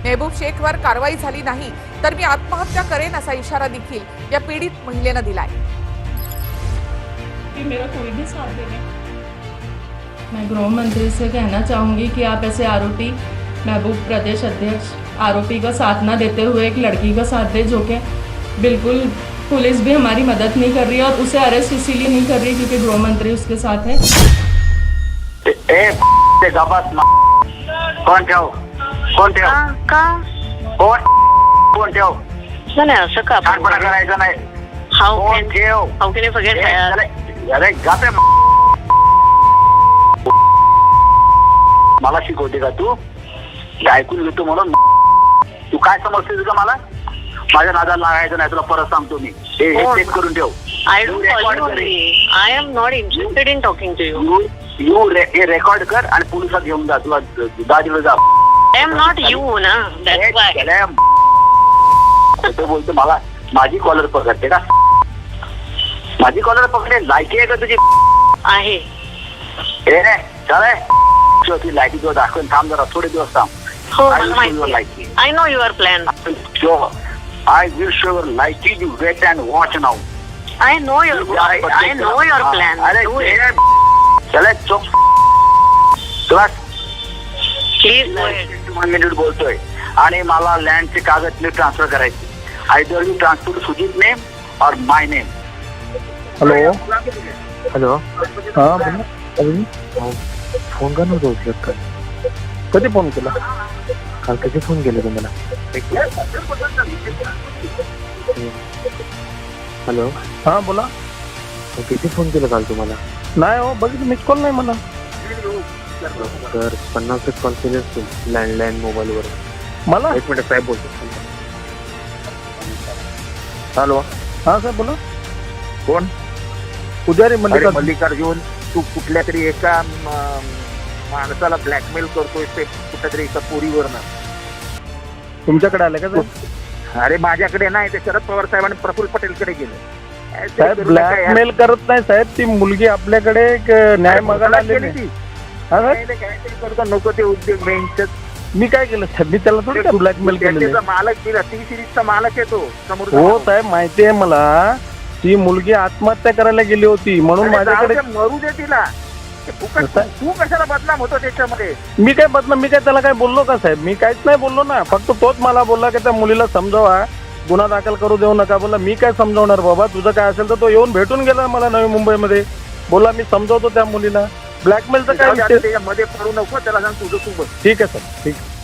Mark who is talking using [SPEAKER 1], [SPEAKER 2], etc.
[SPEAKER 1] मेहबूब शेखवर कारवाई झाली नाही तर मी आत्महत्या करेन असा इशारा देखील या पीडित महिलेनं दिलाय।
[SPEAKER 2] मेरा कोई भी साथ देने। मैं गृह मंत्री से कहना चाहूँगी कि आप ऐसे आरोपी महबूब प्रदेश अध्यक्ष आरोपी का साथ ना देते हुए एक लड़की का साथ दे, जो कि बिल्कुल पुलिस भी हमारी मदद नहीं कर रही है और उसे अरेस्ट इसीलिए नहीं कर रही क्योंकि गृह मंत्री उसके साथ है।
[SPEAKER 3] कौन ठेव कौन ठेव कोण ठेव
[SPEAKER 4] नाही असं का
[SPEAKER 3] छानपणा करायचा नाही। कोण ठेव
[SPEAKER 4] हाऊ कॅन यू फॉरगेट
[SPEAKER 3] अरे गापे मला शिकवते का तू? ऐकून घेतो म्हणून तू काय समजतेस का मला? माझ्या नादाला लागायचं नाही, तुला परत सांगतो मी। हे चेक करून ठेव।
[SPEAKER 4] I am not interested in talking to you.
[SPEAKER 3] You हे रेकॉर्ड कर आणि पोलिसात घेऊन जा, तुला दाजीला जा।
[SPEAKER 4] आय एम नॉट यू ना, दॅट्स व्हाय।
[SPEAKER 3] खोटं बोलतो, मला माझी कॉलर पकडते का? माझी कॉलर पकडे लायकी आहे का तुझी?
[SPEAKER 4] आहे
[SPEAKER 3] हे रे चाले ती लायकी तुला दाखवून थांब जरा, थोडे दिवस थांब।
[SPEAKER 4] हो मला माहिती। I know your plan.
[SPEAKER 3] I will show your liking. You wait and watch now.
[SPEAKER 4] I know your plan.
[SPEAKER 3] अरे चले चुप तुला
[SPEAKER 4] Please go ahead.
[SPEAKER 3] 1 मिनिट बोलतोय आणि मला लँडचे कागद ट्रान्सफर करायचे। Either you transfer Sujeet name और माय नेम।
[SPEAKER 5] हॅलो
[SPEAKER 6] हॅलो
[SPEAKER 5] हां बोला अभिनी
[SPEAKER 6] फोन का नव्हतं उचलत काल?
[SPEAKER 5] कधी फोन केला?
[SPEAKER 6] काल कधी फोन केला तुम्हाला? हॅलो
[SPEAKER 5] हां बोला।
[SPEAKER 6] किती फोन केला काल तुम्हाला?
[SPEAKER 5] नाही हो, बघितलं मिस कॉल नाही मला।
[SPEAKER 6] तर 50 कॉल केले असतील लँडलाईन मोबाईलवर।
[SPEAKER 5] मला
[SPEAKER 6] 1 मिनिट साहेब बोलतो। हॅलो
[SPEAKER 5] हां साहेब बोला।
[SPEAKER 6] कोण?
[SPEAKER 5] पुजारी
[SPEAKER 6] अरे मल्लिकार्जुन, तू कुठल्या तरी एका माणसाला ब्लॅकमेल करतोय ते कुठल्या तरी एका पोरीवरनं।
[SPEAKER 5] तुमच्याकडे आले का साहेब?
[SPEAKER 6] अरे माझ्याकडे नाही, ते शरद पवार साहेब आणि प्रफुल्ल पटेलकडे गेले।
[SPEAKER 5] साहेब ब्लॅकमेल करत नाही साहेब, ती मुलगी आपल्याकडे एक न्याय मागायला आलेली ती। हां साहेब
[SPEAKER 6] काहीतरी करतो, नको ते उद्योग बेंचच।
[SPEAKER 5] मी काय केलं साहेब? मी त्याला थोडी ब्लॅकमेल केलेलं।
[SPEAKER 6] मालक दिला, टी सिरीजचा मालक आहे तो समोर।
[SPEAKER 5] हो साहेब माहिती आहे मला, ती मुलगी आत्महत्या करायला गेली होती म्हणून माझ्याकडे।
[SPEAKER 6] मरू दे तिला, तू कशाला बदनाम होतो त्याच्यामध्ये?
[SPEAKER 5] मी काय बदनाम? मी काय त्याला काय बोललो का साहेब? मी काहीच नाही बोललो ना, फक्त तोच मला बोलला की त्या मुलीला समजावा, गुन्हा दाखल करू देऊ नका। बोला मी काय समजावणार बाबा, तुझं काय असेल तर तो येऊन भेटून गेला मला नवी मुंबईमध्ये। बोला मी समजावतो त्या मुलीला, ब्लॅकमेलचं काय विषय?
[SPEAKER 6] त्याच्यामध्ये पडू नको, त्याला सांग तुझं तू बस।
[SPEAKER 5] ठीक आहे सर, ठीक आहे।